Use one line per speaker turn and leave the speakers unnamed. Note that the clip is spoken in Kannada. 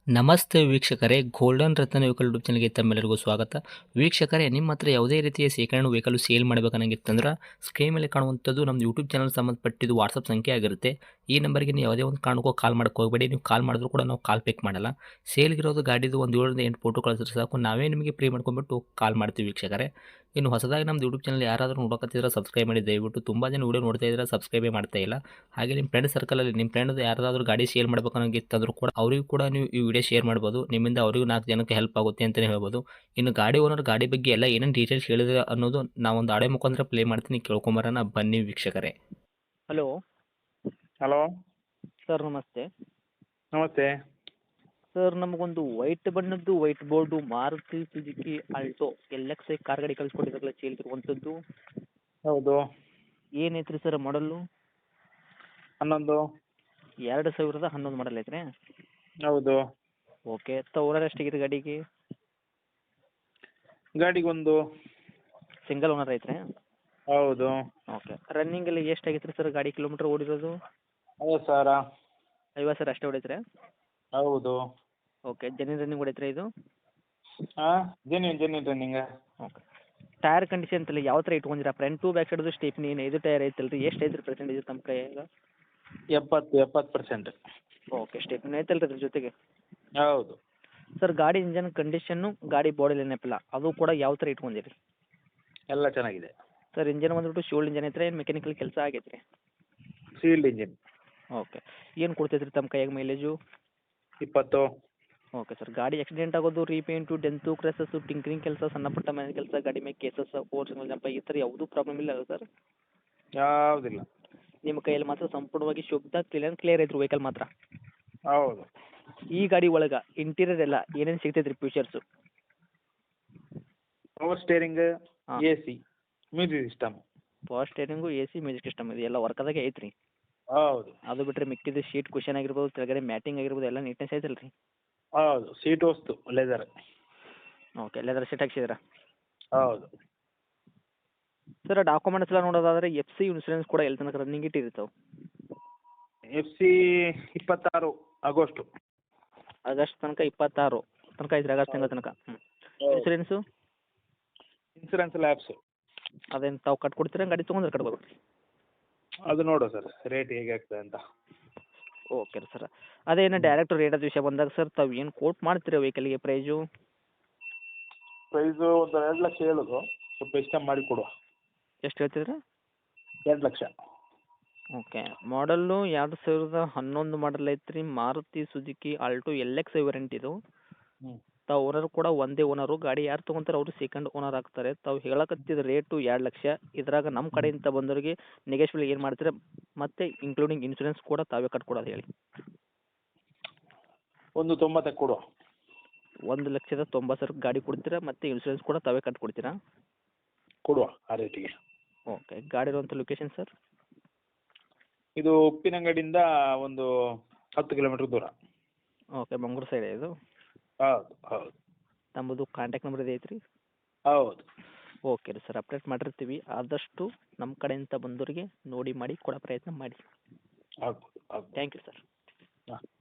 ನಮಸ್ತೆ ವೀಕ್ಷಕರೇ, ಗೋಲ್ಡನ್ ರತ್ನ ವೆಹಿಕಲ್ ಯೂಟ್ಯೂಬ್ ಚಾನಲ್ಗೆ ತಮ್ಮೆಲ್ಲರಿಗೂ ಸ್ವಾಗತ. ವೀಕ್ಷಕರೇ, ನಿಮ್ಮ ಹತ್ರ ಯಾವುದೇ ರೀತಿಯ ಶೇಖರಣೆ ವೆಹಿಕಲ್ ಸೇಲ್ ಮಾಡಬೇಕನ್ನಂಗಿತ್ತಂದ್ರೆ ಸ್ಕ್ರೀನ್ ಮೇಲೆ ಕಾಣುವಂಥದ್ದು ನಮ್ಮ ಯೂಟ್ಯೂಬ್ ಚಾನಲ್ ಸಂಬಂಧಪಟ್ಟಿದ್ದು ವಾಟ್ಸಪ್ ಸಂಖ್ಯೆ ಆಗಿರುತ್ತೆ. ಈ ನಂಬರ್ಗೆ ನೀವು ಯಾವುದೇ ಒಂದು ಕಾರಣಕ್ಕೂ ಕಾಲ್ ಮಾಡೋಕೆ ಹೋಗಬೇಡಿ. ನೀವು ಕಾಲ್ ಮಾಡಿದ್ರು ಕೂಡ ನಾವು ಕಾಲ್ ಪಿಕ್ ಮಾಡಲ್ಲ. ಸೇಲ್ಗಿರೋದು ಗಾಡಿದು ಒಂದು 7ರಿಂದ 8 ಫೋಟೋ ಕಳಿಸಿದ್ರೆ ಸಾಕು, ನಾವೇ ನಿಮಗೆ ಪ್ರೀ ಮಾಡ್ಕೊಂಡ್ಬಿಟ್ಟು ಕಾಲ್ ಮಾಡ್ತೀವಿ ವೀಕ್ಷಕರೇ. ಇನ್ನು ಹೊಸದಾಗಿ ನಮ್ಮದು ಯೂಟ್ಯೂಬ್ ಚಾನಲ್ ಯಾರಾದರೂ ನೋಡೋಕತ್ತಿದ್ರೆ ಸಬ್ಸ್ಕ್ರೈಬ್ ಮಾಡಿ ದಯವಿಟ್ಟು. ತುಂಬ ಜನ ವೀಡಿಯೋ ನೋಡ್ತಾ ಇದ್ದಾರೆ, ಸಬ್ಸ್ಕ್ರೈಬೇ ಮಾಡ್ತಾ ಇಲ್ಲ. ಹಾಗೆ ನಿಮ್ಮ ಫ್ರೆಂಡ್ ಸರ್ಕಲಲ್ಲಿ ನಿಮ್ಮ ಫ್ರೆಂಡ್ ಯಾರಾದರೂ ಗಾಡಿ ಸೇಲ್ ಮಾಡಬೇಕನ್ನೋಂಗಿತ್ತಂದ್ರೂ ಕೂಡ ಅವರಿಗೂ ಕೂಡ ನೀವು ಈ ವಿಡಿಯೋ ಶೇರ್ ಮಾಡ್ಬೋದು. ನಿಮ್ಮಿಂದ ಅವರಿಗೂ 4 ಜನಕ್ಕೆ ಹೆಲ್ಪ್ ಆಗುತ್ತೆ ಅಂತಲೇ ಹೇಳ್ಬೋದು. ಇನ್ನು ಗಾಡಿ ಓನರ್ ಗಾಡಿ ಬಗ್ಗೆ ಎಲ್ಲ ಏನೇನು ಡೀಟೇಲ್ಸ್ ಹೇಳಿದ್ರೆ ಅನ್ನೋದು ನಾವೊಂದು ಆಡಿಯೋ ಮುಖಾಂತರ ಪ್ಲೇ ಮಾಡ್ತೀನಿ, ಕೇಳ್ಕೊಂಬರೋಣ ಬನ್ನಿ ವೀಕ್ಷಕರೇ.
ಹಲೋ
ಹಲೋ
ಸರ್, ನಮಸ್ತೆ.
ನಮಸ್ತೆ.
ಸರ್, ನಮಗೊಂದು ವೈಟ್ ಬಣ್ಣದ್ದು white board Maruti Suzuki Alto LX car ಗಾಡಿ ಕಳಿಸ್ಕೊಟ್ಟಿದ್ರಲ್ಲ ಸೇಲ್ಗಿರುವಂಥದ್ದು.
ಹೌದು.
ಏನೈತ್ರಿ ಸರ್ ಮಾಡಲ್ಲು?
11.
2011 ಮಾಡಲ್ ಐತ್ರಿ?
ಹೌದು.
ಓಕೆ. ಓನರ್ ಎಷ್ಟಾಗಿದೆ ಗಾಡಿಗೆ?
ಗಾಡಿಗೊಂದು.
ಸಿಂಗಲ್ ಓನರ್ ಐತ್ರಿ?
ಹೌದು.
ಓಕೆ. ರನ್ನಿಂಗ್ ಎಲ್ಲ ಎಷ್ಟಾಗೈತೆ ರೀ ಸರ್ ಗಾಡಿ ಕಿಲೋಮೀಟ್ರ್ ಓಡಿರೋದು?
50,000.
50,000 ಅಷ್ಟೇ ಹೊಡೈತ್ರಿ?
ಹೌದು.
ಓಕೆ. ಜೆನ್ಯೂನ್ ರನ್ನಿಂಗ್ ಹೊಡೈತ್ರಿ ಇದು?
ಹಾಂ, genuine running.
Okay. Tyre condition ಅಂತಲ್ಲ ಯಾವ ಥರ ಇಟ್ಕೊಂಡಿರಾ? ಫ್ರಂಟ್ ಟು ಬ್ಯಾಕ್ ಸೈಡ್ದು ಸ್ಟೇಪ್ನಿ ಇದು ಟೈರ್ ಐತಲ್ಲ ರೀ, ಎಷ್ಟು ಐತ್ರಿ ಪರ್ಸೆಂಟೇಜ್ ತಮ್ಮ ಕೈಯಾಗ?
70%.
ಓಕೆ. ಸ್ಟೇಪ್ನಿ ಐತಲ್ಲ ರೀ ಅದ್ರ ಜೊತೆಗೆ?
ಹೌದು.
ಸರ್, ಗಾಡಿ ಇಂಜನ್ ಕಂಡೀಷನ್ನು, ಗಾಡಿ ಬಾಡಿ ನೆನಪಿಲ್ಲ ಅದು ಕೂಡ ಯಾವ ಥರ ಇಟ್ಕೊಂಡಿರಿ?
ಎಲ್ಲ ಚೆನ್ನಾಗಿದೆ.
ಸರ್, ಇಂಜನ್ ಬಂದ್ಬಿಟ್ಟು ಶೋಲ್ಡ್ ಇಂಜನ್ ಐತ್ರಿ, ಏನು ಮೆಕ್ಯಾನಿಕಲ್ ಕೆಲಸ ಆಗೈತೆ ರೀ?
Sealed engine.
ಓಕೆ. ಏನು ಕೊಡ್ತೈತ್ರಿ ತಮ್ಮ ಕೈಯಾಗ ಮೈಲೇಜು?
20.
Okay sir. ಗಾಡಿ ಆಕ್ಸಿಡೆಂಟ್ ಆಗೋದು, ರೀಪೇಂಟು, ಡೆಂತು, ಕ್ರೆಸಸ್ಸು, ಟಿಂಕ್ರಿಂಗ್ ಕೆಲಸ, ಸಣ್ಣ ಪುಟ್ಟ ಮನೆ ಕೆಲಸ, ಗಾಡಿ ಮೇಲೆ ಕೇಸಸ್, ಫೋರ್ಸ್ ಜಂಪ ಈ ಥರ ಯಾವುದೂ ಪ್ರಾಬ್ಲಮ್ ಇಲ್ಲ ಅಲ್ಲ ಸರ್?
ಯಾವುದಿಲ್ಲ.
ನಿಮ್ಮ ಕೈಯಲ್ಲಿ ಮಾತ್ರ ಸಂಪೂರ್ಣವಾಗಿ ಶುದ್ಧ ಕ್ಲಿಯರ್ ಐತ್ರಿ ವೆಹಿಕಲ್ ಮಾತ್ರ?
ಹೌದು.
ಈ ಗಾಡಿ ಒಳಗೆ ಇಂಟೀರಿಯರ್ ಎಲ್ಲ ಏನೇನು ಸಿಗ್ತೈತೆ ರೀ ಫ್ಯೂಚರ್ಸು?
ಪವರ್ ಸ್ಟೇರಿಂಗ್,
ಹಾಂ.
AC, music system.
Power steering, AC, music system ಇದು ಎಲ್ಲ ವರ್ಕದಾಗೆ ಐತ್ರಿ?
ಹೌದು.
ಅದು ಬಿಟ್ಟರೆ ಮಿಕ್ಕಿದ್ದು ಶೀಟ್ ಕುಷನ್ ಆಗಿರ್ಬೋದು, ಕೆಳಗಡೆ ಮ್ಯಾಟಿಂಗ್ ಆಗಿರ್ಬೋದು, ಎಲ್ಲ ನೀಟ್ನೆಸ್ ಐತಲ್ಲ ರೀ?
ಹೌದು. ಸೀಟ್ ವಸ್ತು ಲೆದರ್.
ಓಕೆ. ಲೆದರ್ ಶೀಟ್ ಹಾಕ್ಸಿದ್ದೀರಾ?
ಹೌದು.
ಸರ್, ಡಾಕ್ಯುಮೆಂಟ್ಸ್ ಎಲ್ಲ ನೋಡೋದಾದ್ರೆ FC ಇನ್ಸೂರೆನ್ಸ್ ಕೂಡ ಎಲ್ಲಿ ತನಕ ರನ್ನಿಂಗ್ ಇಟ್ಟಿರ್ತಾವೆ?
FC 26 August.
ಆಗಸ್ಟ್ ತನಕ 26 ತನಕ ಐತ್ರಿ? ಆಗಸ್ಟ್ ತಿಂಗಳ ತನಕ. ಇನ್ಸೂರೆನ್ಸು?
Insurance lapse.
ಅದೇನು ತಾವು ಕಟ್ಕೊಡ್ತೀರಾ, ಗಾಡಿ ತೊಗೊಂಡ್ರೆ ಕಟ್ಬೇಕು?
ಅದು ನೋಡುವ ಸರ್, ರೇಟ್ ಹೇಗೆ ಆಗ್ತದೆ ಅಂತ.
ಓಕೆ ರೀ ಸರ್. ಅದೇನು ಡೈರೆಕ್ಟ್ ರೇಟದ ವಿಷಯ ಬಂದಾಗ ಸರ್, ತಾವು ಏನು ಕೋಟ್ ಮಾಡ್ತೀರಾ ವೆಹಿಕಲ್ಗೆ ಪ್ರೈಸು?
ಪ್ರೈಸು ಒಂದು 2 ಲಕ್ಷ ಹೇಳೋದು, ಸ್ವಲ್ಪ ಇಷ್ಟ ಮಾಡಿ ಕೊಡುವ.
ಎಷ್ಟು ಹೇಳ್ತಿದ್ರಿ?
2 ಲಕ್ಷ.
ಓಕೆ. ಮಾಡಲ್ಲು 2011 ಮಾಡಲ್ ಐತ್ರಿ, Maruti Suzuki Alto LX variant ಇದು.
ಹ್ಞೂ.
ತಾವು ಓನರ್ ಕೂಡ ಒಂದೇ ಓನರು. ಗಾಡಿ ಯಾರು ತೊಗೊಂತಾರೆ ಅವರು ಸೆಕೆಂಡ್ ಓನರ್ ಆಗ್ತಾರೆ. ತಾವು ಹೇಳಕತ್ತಿದ ರೇಟು 2 ಲಕ್ಷ. ಇದ್ರಾಗ ನಮ್ಮ ಕಡೆಯಿಂದ ಬಂದವರಿಗೆ ನೆಗೆಶ್ವಲ್ ಏನು ಮಾಡ್ತೀರಾ, ಮತ್ತು ಇನ್ಕ್ಲೂಡಿಂಗ್ ಇನ್ಸೂರೆನ್ಸ್ ಕೂಡ ತಾವೇ ಕಟ್ಕೊಡೋದು ಹೇಳಿ?
1,90 ಕೊಡುವ.
1,90,000 ಗಾಡಿ ಕೊಡ್ತೀರಾ, ಮತ್ತು ಇನ್ಸೂರೆನ್ಸ್ ಕೂಡ ತಾವೇ ಕಟ್ಕೊಡ್ತೀರಾ?
ಕೊಡುವ ಆ ರೇಟಿಗೆ.
ಓಕೆ. ಗಾಡಿ ಇರುವಂಥ ಲೊಕೇಶನ್ ಸರ್?
ಇದು ಉಪ್ಪಿನಂಗಡಿಯಿಂದ ಒಂದು 10 ಕಿಲೋಮೀಟ್ರ್ ದೂರ.
ಓಕೆ. ಮಂಗ್ಳೂರು ಸೈಡ್ ಇದು?
ಹೌದು ಹೌದು.
ನಮ್ಮದು ಕಾಂಟ್ಯಾಕ್ಟ್ ನಂಬರ್ ಇದೆ ಐತ್ರಿ?
ಹೌದು.
ಓಕೆ ರೀ ಸರ್, ಅಪ್ಡೇಟ್ ಮಾಡಿರ್ತೀವಿ. ಆದಷ್ಟು ನಮ್ಮ ಕಡೆಯಿಂದ ಬಂದವರಿಗೆ ನೋಡಿ ಮಾಡಿ ಕೊಡೋ ಪ್ರಯತ್ನ ಮಾಡಿ.
ಆಗ್ಬೋದು ಆಗ್ಬೋದು.
Thank you sir.
ಹಾಂ.